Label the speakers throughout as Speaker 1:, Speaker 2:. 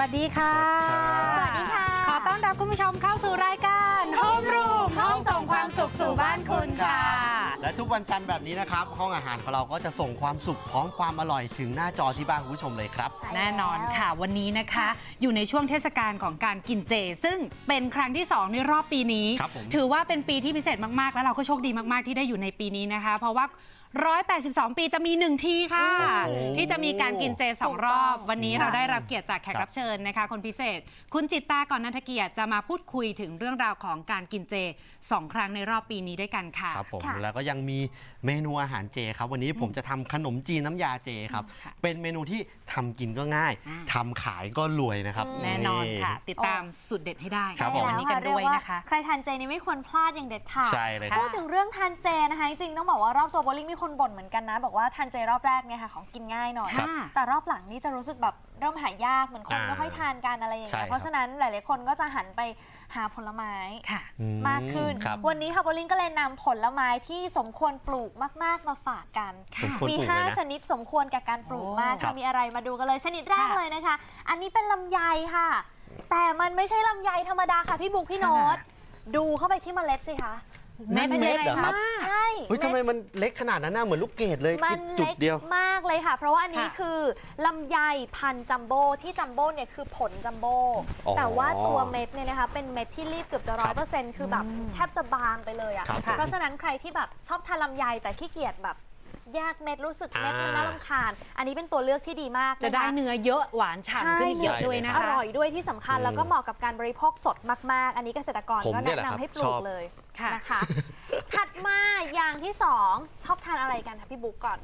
Speaker 1: วัสดีค่ะ
Speaker 2: สวัสดีค่ะ
Speaker 1: ขอต้อนรับคุณผู้ชมเข้าสู่รายการโฮมรูมห้องส่งความสุขสู่บ้านคุณค่ะ
Speaker 2: และทุกวันจันทร์แบบนี้นะครับห้องอาหารของเราก็จะส่งความสุขพร้อมความอร่อยถึงหน้าจอที่บ้านคุณผู้ชมเลยครับ
Speaker 1: แน่นอนค่ะวันนี้นะคะอยู่ในช่วงเทศกาลของการกินเจซึ่งเป็นครั้งที่2ในรอบปีนี้ถือว่าเป็นปีที่พิเศษมากๆแล้วเราก็โชคดีมากๆที่ได้อยู่ในปีนี้นะคะเพราะว่า182 ปีจะมี1ทีค่ะที่จะมีการกินเจ2รอบวันนี้เราได้รับเกียรติจากแขกรับเชิญนะคะคนพิเศษคุณจิตตาก่อนนันทเกียรติจะมาพูดคุยถึงเรื่องราวของการกินเจ2 ครั้งในรอบปีนี้ด้วยกันค่ะ
Speaker 2: ครับผมแล้วก็ยังมีเมนูอาหารเจครับวันนี้ผมจะทำขนมจีนน้ำยาเจครับเป็นเมนูที่ทำกินก็ง่ายทำขายก็รวยนะครับ
Speaker 1: แน่นอนค่ะติดตามสูตรเด็ดให้ได้
Speaker 3: วัน
Speaker 1: นี้กันด้วยนะคะ
Speaker 3: ใครทานเจนี่ไม่ควรพลาดอย่างเด็ดขาด
Speaker 2: ใช่เลย
Speaker 3: พูดถึงเรื่องทานเจนะคะจริงๆต้องบอกว่ารอบตัวโบลิ่งมีคนบ่นเหมือนกันนะบอกว่าทานเจรอบแรกเนี่ยค่ะของกินง่ายหน่อยแต่รอบหลังนี่จะรู้สึกแบบเริ่มหายากเหมือนคนไม่ค่อยทานกันอะไรอย่างเงี้ยเพราะฉะนั้นหลายๆคนก็จะหันไปหาผลไม้มากขึ้นวันนี้ค่ะโบลิ่งก็เลยนำผลไม้ที่สมควรปลูกมากๆมาฝากกันมี5ชนิดสมควรกับการปลูกมากมีอะไรมาดูกันเลยชนิดแรกเลยนะคะอันนี้เป็นลำไยค่ะแต่มันไม่ใช่ลำไยธรรมดาค่ะพี่บุ๊คพี่โน้ตดูเข้าไปที่เมล็ดสิคะ
Speaker 2: เม็ดเหรอครับ
Speaker 3: ใช่
Speaker 2: ทำไมมันเล็กขนาดนั้นน่ะเหมือนลูกเกดเลยจุดเดียว
Speaker 3: มากเลยค่ะเพราะว่าอันนี้คือลำไยพันจัมโบ้ที่จัมโบ้เนี่ยคือผลจัมโบ้แต่ว่าตัวเม็ดเนี่ยนะคะเป็นเม็ดที่รีบเกือบจะ100%คือแบบแทบจะบางไปเลยอ่ะเพราะฉะนั้นใครที่แบบชอบทานลำไยแต่ขี้เกียจแบบแยกเม็ดรู้สึกเม็ดมันน่ารำคาญอันนี้เป็นตัวเลือกที่ดีมาก
Speaker 1: จะได้เนื้อเยอะหวานฉ่ำขึ้นเยอะด้วยนะคะ
Speaker 3: อร่อยด้วยที่สำคัญแล้วก็เหมาะกับการบริโภคสดมากๆอันนี้เกษตรกรก็แนะนำให้ปลูกเลยนะคะถัดมาอย่างที่2ชอบทานอะไรกันคะพี่บุ๊กก่อน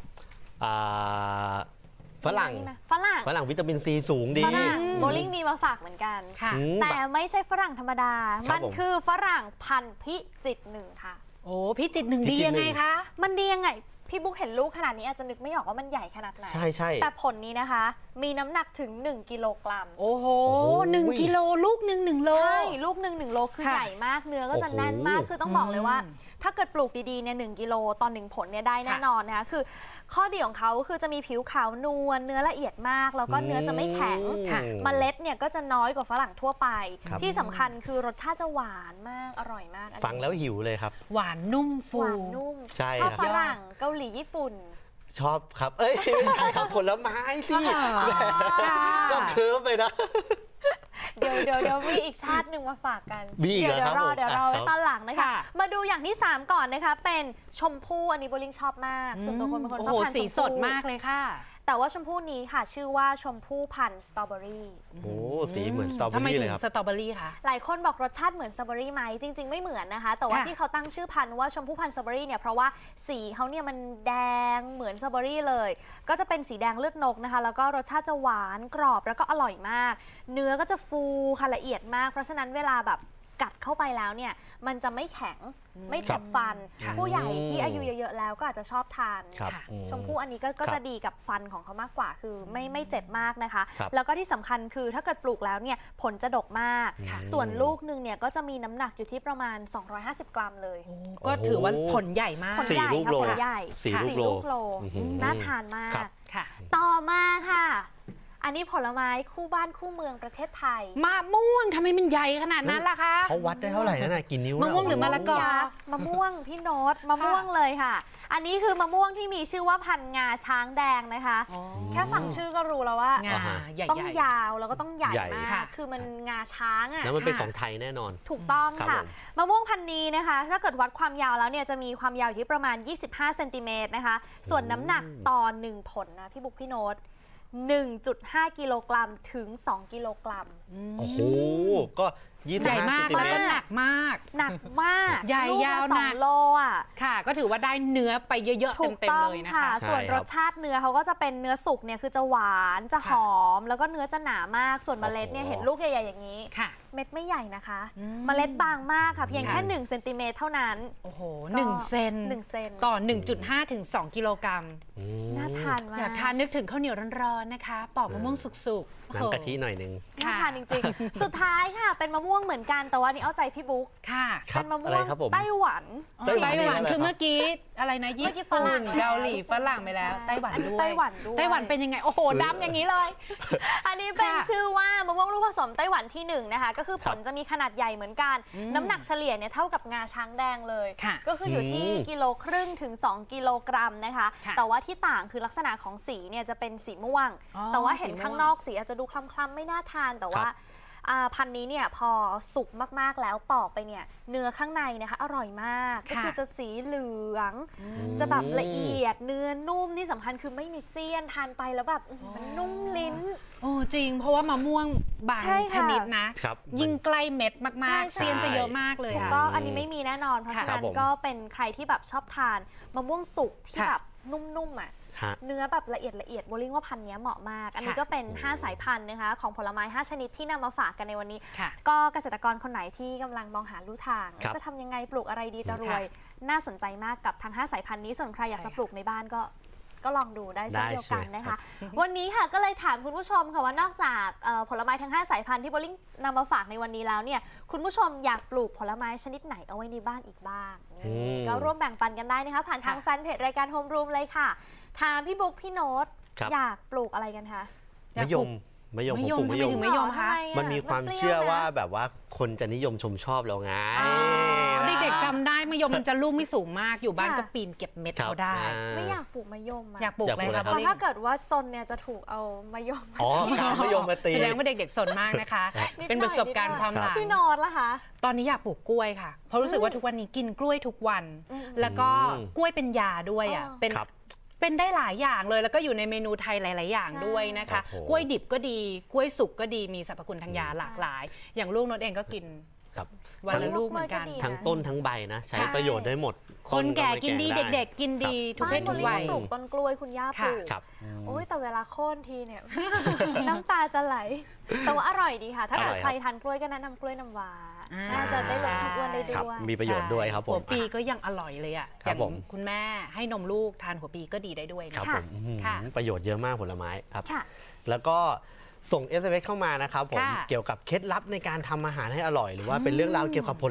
Speaker 2: ฝรั่งวิตามินซีสูงดี
Speaker 3: โบลิ่งมีมาฝากเหมือนกันแต่ไม่ใช่ฝรั่งธรรมดามันคือฝรั่งพันธุ์พิจิตร1ค่ะ
Speaker 1: โอ้พิจิตร1ดียังไงคะ
Speaker 3: มันดียังไงพี่บุ๊กเห็นลูกขนาดนี้อาจจะนึกไม่ออกว่ามันใหญ่ขนาดไหน
Speaker 2: ใช่
Speaker 3: แต่ผลนี้นะคะมีน้ำหนักถึง1 กิโลกรัม
Speaker 1: โอ้โห1 กิโลลูกหนึ่ง1 โล
Speaker 3: ใช่ลูกหนึ่ง1 โลคือใหญ่มากเนื้อก็จะแน่นมากคือต้องบอกเลยว่าถ้าเกิดปลูกดีๆเนี่ย1 กิโลต่อ1 ผลเนี่ยได้แน่นอนนะคะคือข้อดีของเขาคือจะมีผิวขาวนวลเนื้อละเอียดมากแล้วก็เนื้อจะไม่แข็งเมล็ดเนี่ยก็จะน้อยกว่าฝรั่งทั่วไปที่สำคัญคือรสชาติจะหวานมากอร่อยมาก
Speaker 2: ฟังแล้วหิวเลยครับ
Speaker 1: หวานนุ่มฟู
Speaker 3: หวานนุ่มชอบฝรั่งเกาหลีญี่ปุ่น
Speaker 2: ชอบครับไม่ใช่ครับผลไม้สิก็เคิร์ฟไปนะ
Speaker 3: เดี๋ยวมีอีกชาติหนึ่งมาฝากกัน
Speaker 2: เดี๋ยว
Speaker 3: รอไว้ตอนหลังนะคะมาดูอย่างที่3ก่อนนะคะเป็นชมพู่อันนี้โบลิ่งชอบมากส่วนตัวคนเป็นคนชอบทาน
Speaker 1: สีสดมากเลยค่ะ
Speaker 3: แต่ว่าชมพู่นี้ค่ะชื่อว่าชมพู่พันธุ์สตรอเบอรี่
Speaker 2: โอ้สีเหมือนสตรอเบอรี่เลยครับ
Speaker 1: ทำไมถึงสตรอเบอรี่คะ
Speaker 3: หลายคนบอกรสชาติเหมือนสตรอเบอรี่ไหมจริงๆไม่เหมือนนะคะแต่ว่าที่เขาตั้งชื่อพันธุ์ว่าชมพู่พันธุ์สตรอเบอรี่เนี่ยเพราะว่าสีเขาเนี่ยมันแดงเหมือนสตรอเบอรี่เลยก็จะเป็นสีแดงเลือดนกนะคะแล้วก็รสชาติจะหวานกรอบแล้วก็อร่อยมากเนื้อก็จะฟูค่ะละเอียดมากเพราะฉะนั้นเวลาแบบกัดเข้าไปแล้วเนี่ยมันจะไม่แข็งไม่เจ็บฟันผู้ใหญ่ที่อายุเยอะๆแล้วก็อาจจะชอบทานชมพู่อันนี้ก็จะดีกับฟันของเขามากกว่าคือไม่เจ็บมากนะคะแล้วก็ที่สำคัญคือถ้าเกิดปลูกแล้วเนี่ยผลจะดกมากส่วนลูกนึงเนี่ยก็จะมีน้ำหนักอยู่ที่ประมาณ250 กรัมเลย
Speaker 1: ก็ถือว่าผลใหญ่มาก
Speaker 2: 4 ลูกโล
Speaker 3: 4 ลูกโลน่าทานมากต่อมาค่ะอันนี้ผลไม้คู่บ้านคู่เมืองประเทศไทย
Speaker 1: มะม่วงทำไมมันใหญ่ขนาดนั้นล่ะคะ
Speaker 2: เขาวัดได้เท่าไหร่นั่นน่ะกี่นิ้ว
Speaker 1: มะม่วงหรือมะละกอ
Speaker 3: มะม่วงพี่โน้ตมะม่วงเลยค่ะอันนี้คือมะม่วงที่มีชื่อว่าพันธุ์งาช้างแดงนะคะแค่ฟังชื่อก็รู้แล้วว่าต้องยาวแล้วก็ต้องใหญ่มากคือมันงาช้างอ่ะ
Speaker 2: แล้วมันเป็นของไทยแน่นอน
Speaker 3: ถูกต้องค่ะมะม่วงพันธุ์นี้นะคะถ้าเกิดวัดความยาวแล้วเนี่ยจะมีความยาวอยู่ที่ประมาณ25 เซนติเมตรนะคะส่วนน้ำหนักต่อ1 ผลนะพี่บุ๊คพี่โน้ต1.5 กิโลกรัมถึง2 กิโลกรัม
Speaker 2: โอ้โหก็
Speaker 1: ใหญ่มากแล้วก็หนักมากใหญ่ยาวหนัก
Speaker 3: 2 โลอ่ะ
Speaker 1: ค่ะก็ถือว่าได้เนื้อไปเยอะๆเต็มๆเลยนะคะ
Speaker 3: ส่วนรสชาติเนื้อเขาก็จะเป็นเนื้อสุกเนี่ยคือจะหวานจะหอมแล้วก็เนื้อจะหนามากส่วนเมล็ดเนี่ยเห็นลูกใหญ่ๆอย่างนี้เม็ดไม่ใหญ่นะคะเมล็ดบางมากค่ะเพียงแค่1 เซนติเมตรเท่านั้น
Speaker 1: โอ้โห1 เซนต่อ 1.5 ถึง 2 กิโลกรัม
Speaker 3: น่าทานมาก
Speaker 1: อยากทานนึกถึงข้าวเหนียวร้อนๆนะคะปอกมะม่วงสุก
Speaker 2: น้ำกะทิหน่อยนึง
Speaker 3: น่าทานจริงๆสุดท้ายค่ะเป็นมะม่วงม่วงเหมือนกันแต่ว่าอันนี้เอาใจพี่บุ๊ก
Speaker 1: ค่ะ
Speaker 3: เป็นมะม่
Speaker 2: อะไร
Speaker 3: วง
Speaker 2: ครับผม
Speaker 3: ไต้หวัน
Speaker 2: ไต้หวัน
Speaker 1: ไต้หวัน
Speaker 2: นี่อะไร
Speaker 1: คือ
Speaker 2: ครับ
Speaker 1: เมื่อกี้อะไรนะญี่
Speaker 3: เมื่อกี้ฝรั่
Speaker 1: ปุ่
Speaker 3: ง
Speaker 1: นเกาหลีฝรั่งไปแล้ว
Speaker 3: ใช่
Speaker 1: ไต้หวัน
Speaker 3: อันนี้
Speaker 1: ด้วย
Speaker 3: ไต้หวันด้วย
Speaker 1: ไต้หวันเป็นยังไงโอ้โหดำอย่างนี้เลย
Speaker 3: อันนี้เป็น
Speaker 1: ค่ะ
Speaker 3: ชื่อว่ามะม่วงลูกผสมไต้หวันที่1นะคะก็คือผล
Speaker 2: ครับ
Speaker 3: จะมีขนาดใหญ่เหมือนกัน น้ำหนักเฉลี่ยเนี่ยเท่ากับงาช้างแดงเลย
Speaker 1: ค่ะ
Speaker 3: ก็คืออยู่ที่กิโลครึ่งถึง2 กิโลกรัมนะคะ
Speaker 1: ค่ะ
Speaker 3: แต่ว่าที่ต่างคือลักษณะของสีเนี่ยจะเป็นสีม่วง
Speaker 1: อ๋อ
Speaker 3: แต่ว่าเห็น
Speaker 1: สีม่วง
Speaker 3: ข้างนอกสีอาจจะดูคล้ำๆไม่น่าทานแต่ว่าพันธุ์นี้เนี่ยพอสุกมากๆแล้วปอกไปเนี่ยเนื้อข้างในนะคะอร่อยมากก็คือจะสีเหลือง จะแบบละเอียดเนื้อนุ่มที่สำคัญคือไม่มีเสี้ยนทานไปแล้วแบบมันนุ่มลิ้น
Speaker 1: โอ้จริง เพราะว่ามะม่วงบาง
Speaker 3: ใช่ค่ะ
Speaker 1: ชนิดนะ
Speaker 2: ครับ
Speaker 1: ยิ่งใกล้เม็ด
Speaker 3: ใช่
Speaker 1: มากๆ
Speaker 3: ใช่
Speaker 1: เซียนจะเยอะมากเลย
Speaker 3: ถูก
Speaker 1: ค่ะ
Speaker 3: ต้องอันนี้ไม่มีแน่นอน เพราะ
Speaker 1: ค่ะ
Speaker 3: ฉะนั้น
Speaker 2: ครับผม
Speaker 3: ก็เป็นใครที่แบบชอบทานมะม่วงสุกที่
Speaker 1: ค่ะ
Speaker 3: แบบนุ่มๆอ่ะ
Speaker 2: ฮะ
Speaker 3: เนื้อแบบละเอียดโบลิ่งว่าพันธุ์นี้เหมาะมาก อันนี้
Speaker 1: ค่ะ
Speaker 3: ก็เป็น
Speaker 2: โอ้
Speaker 3: 5 สายพันธุ์นะคะของผลไม้ 5 ชนิดที่นำมาฝากกันในวันนี้
Speaker 1: ค่ะ
Speaker 3: ก็เกษตรกรคนไหนที่กำลังมองหาลู่ทาง
Speaker 2: ครับ
Speaker 3: จะทำยังไงปลูกอะไรดีจะร
Speaker 1: ค่ะ
Speaker 3: วย น่าสนใจมากกับทั้ง 5 สายพันธุ์นี้ส่วนใครอยากจะ
Speaker 1: ใช่ค่ะ
Speaker 3: ปลูกในบ้านก็ลองดูได้เช่นเดียวกัน
Speaker 2: ได้
Speaker 3: นะ
Speaker 2: ครั
Speaker 3: คะ
Speaker 2: บ
Speaker 3: วันนี้ค่ะก็เลยถามคุณผู้ชมค่ะว่านอกจากผลไม้ทั้ง 5 สายพันธุ์ที่โบลิ่งนำมาฝากในวันนี้แล้วเนี่ยคุณผู้ชมอยากปลูกผลไม้ชนิดไหนเอาไว้ในบ้านอีกบ้างนี่
Speaker 2: อืม
Speaker 3: ก็ร่วมแบ่งปันกันได้นะคะผ่านทาง
Speaker 1: ค่ะ
Speaker 3: แฟนเพจรายการโฮมรูมเลยค่ะถามพี่บุ๊กพี่โน้ต
Speaker 2: ครับ
Speaker 3: อยากปลูกอะไรกันคะ
Speaker 2: มะยมผมปลูก
Speaker 1: ทำไมถึง
Speaker 2: มะ
Speaker 1: ไม่
Speaker 2: ย
Speaker 1: ย
Speaker 2: ม
Speaker 1: มคะ
Speaker 3: ทำไอะ
Speaker 2: มันมีความ
Speaker 3: ปรี้ย
Speaker 2: เชื่อว่า
Speaker 3: นะ
Speaker 2: แบบว่าคนจะนิยมชมชอบเราไง
Speaker 3: อ๋อ
Speaker 1: เด็กๆจำได้มะยมมันจะลูกไม่สูงมากอยู่บ้าน
Speaker 3: ค่ะ
Speaker 1: ก็ปีนเก็บเม็ด
Speaker 2: ครับ
Speaker 1: เขาได้
Speaker 3: ไม่อยากปลูกมะยมอะ
Speaker 1: อยากปลูก
Speaker 2: อยาก
Speaker 1: เล
Speaker 2: ปลู
Speaker 1: ย
Speaker 2: ก
Speaker 1: ค่ะ
Speaker 2: อะไร
Speaker 3: เพ
Speaker 1: บอ
Speaker 3: ราะ
Speaker 1: ลลี่
Speaker 3: ถ้าเกิดว่าซนเนี่ยจะถูกเอามายม
Speaker 2: อ๋อเอามะยมมาตี
Speaker 1: แสดงว่าเด็กๆสนมากนะคะ
Speaker 3: นิดหน่อย
Speaker 1: เป็นประสบการณ์ความหลัง
Speaker 3: พี่โน้ตล่ะคะ
Speaker 1: ตอนนี้อยากปลูกกล้วยค่ะ เพราะรู้สึกว่าทุกวันนี้กินกล้วยทุกวัน
Speaker 3: อืม
Speaker 1: แล้วก็กล้วยเป็นยาด้วยอ่ะ
Speaker 3: อ๋อ
Speaker 1: เป็น
Speaker 2: ครับ
Speaker 1: เป็นได้หลายอย่างเลย แล้วก็อยู่ในเมนูไทยหลาย ๆ อย่าง
Speaker 3: ใช่
Speaker 1: ด้วยนะคะ
Speaker 2: โอ้โห
Speaker 1: กล้วยดิบก็ดี กล้วยสุกก็ดี มีสรรพคุณทางยาหลากหลาย อย่างลูกนดเองก็กิน
Speaker 2: ครับ
Speaker 1: วันละลูกเหมือนกัน
Speaker 3: กล้วยก็ดี
Speaker 2: ทั้งต้นทั้งใบนะ ใช้
Speaker 1: ใช่
Speaker 2: ประโยชน์ได้หมด
Speaker 1: คนแก่
Speaker 2: ต้
Speaker 1: กินดี
Speaker 2: ไ
Speaker 1: เด็ก ๆ กินดีทุกเพศทุกวัย
Speaker 3: บ้านโบลิ่งปลูกต้นกล้วยคุณย่าปลูก
Speaker 2: ครับ
Speaker 3: โอ้ยแต่เวลาโค่นทีเนี่ย น้ำตาจะไหล แต่ว่าอร่อยดีค่ะ ถ้าเกิด
Speaker 2: อร่อย
Speaker 3: ใครทานกล้วยก็แนะนำกล้วยน้ำว้า
Speaker 1: อ่า
Speaker 3: น่าจะได้ลดความอ้วนได้
Speaker 2: ครับ
Speaker 3: ด้วย
Speaker 2: มีประโยชน์ด้วยครับผม
Speaker 1: หัวปีก็ยังอร่อยเลยอ่ะ
Speaker 2: ค
Speaker 1: อ
Speaker 2: รับ
Speaker 1: ย่าง
Speaker 2: ผม
Speaker 1: คุณแม่ให้นมลูกทานหัวปีก็ดีได้ด้วย
Speaker 2: ครับ
Speaker 1: นะ
Speaker 2: ผมอื้อหือ
Speaker 1: ค่ะ
Speaker 2: ประโยชน์เยอะมากผลไม้ครับ
Speaker 3: ค่ะ
Speaker 2: แล้วก็ส่ง SMS เข้ามานะครับผม
Speaker 1: ค่ะ
Speaker 2: เกี่ยวกับเคล็ดลับในการทำอาหารให้อร่อย หรือว่าเป็นเรื่องราวเกี่ยวกับผล